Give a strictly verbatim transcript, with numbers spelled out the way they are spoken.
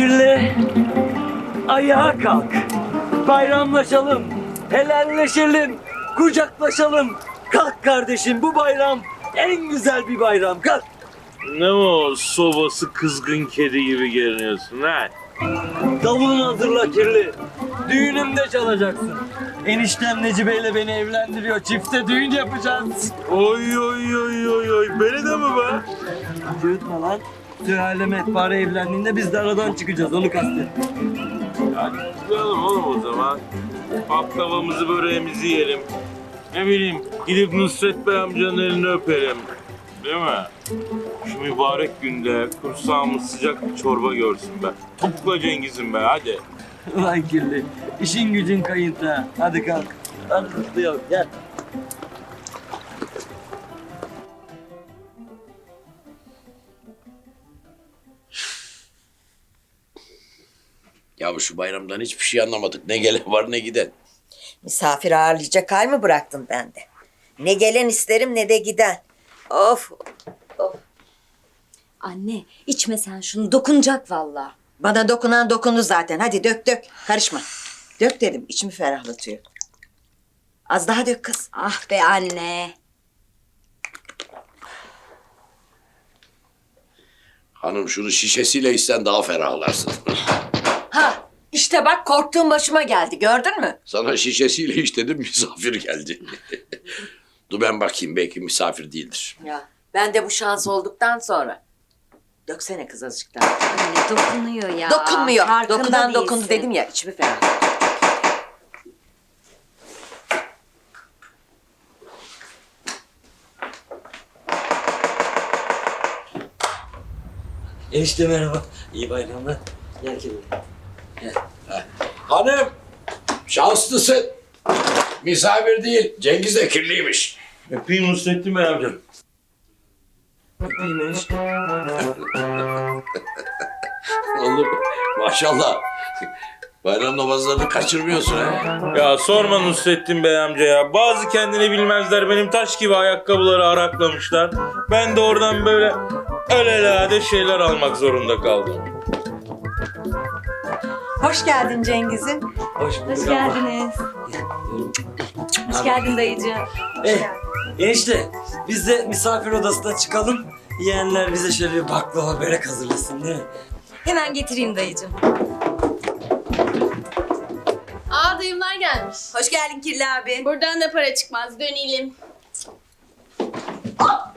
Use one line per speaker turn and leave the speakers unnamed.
Kirli, ayağa kalk. Bayramlaşalım, helalleşelim, kucaklaşalım. Kalk kardeşim, bu bayram en güzel bir bayram. Kalk.
Ne o sobası kızgın kedi gibi görünüyorsun ha?
Davulunu hazırla Kirli. Düğünümde çalacaksın. Eniştem Necibe'yle beni evlendiriyor. Çifte düğün yapacağız.
Oy oy oy oy oy. Beni de mi be?
Cıvıtma lan. Sühale Mehpare evlendiğinde biz de aradan çıkacağız. Onu kastet.
Hadi kutlayalım oğlum o zaman. Baklavamızı böreğimizi yiyelim. Ne bileyim gidip Nusret Bey amcanın elini öpelim. Değil mi? Şu mübarek günde kursağımız sıcak bir çorba görsün be. Topukla Cengiz'im be hadi.
Ulan Kirli. İşin gücün kayıntı. Hadi kalk. Hadi kutlayalım. Gel.
Ya şu bayramdan hiçbir şey anlamadık. Ne gelen var ne giden.
Misafir ağırlayacak hal mi bıraktın bende? Ne gelen isterim ne de giden. Of.
Anne içme sen şunu dokunacak vallahi.
Bana dokunan dokundu zaten. Hadi dök dök. Karışma. Dök dedim. İçimi ferahlatıyor. Az daha dök kız.
Ah be anne.
Hanım şunu şişesiyle içsen daha ferahlarsın.
Ha işte bak korktuğum başıma geldi. Gördün mü?
Sana şişesiyle iç dedim misafir geldi. Dur ben bakayım belki misafir değildir.
Ya ben de bu şans olduktan sonra. Döksene kız azıcık daha.
Anne dokunuyor ya.
Dokunmuyor.
Farkında
Dokunan dokundu
değilsin.
dedim ya. İçimi ferahlatıyor.
Enişte merhaba. İyi bayramlar. Gel Kirli.
Hanım şanslısın. Misafir değil Cengiz de kirliymiş.
Öpeyim Nusrettin Bey amcam.
Öpeyim enişte.
Oğlum maşallah. Bayram namazlarını kaçırmıyorsun ha.
Ya sorma Nusrettin Bey amca ya. Bazı kendini bilmezler benim taş gibi ayakkabıları araklamışlar. Ben de oradan böyle alelade şeyler almak zorunda kaldım.
Hoş geldin Cengiz'im.
Hoş bulduk.
Hoş
abla.
geldiniz. Hoş geldin dayıcığım.
Eh, enişte biz de misafir odasına çıkalım. Yeğenler bize şöyle bir baklava börek hazırlasın değil mi?
Hemen getireyim dayıcığım.
Aa dayımlar gelmiş.
Hoş geldin Kirli abi.
Buradan da para çıkmaz. Dönelim.
Hop!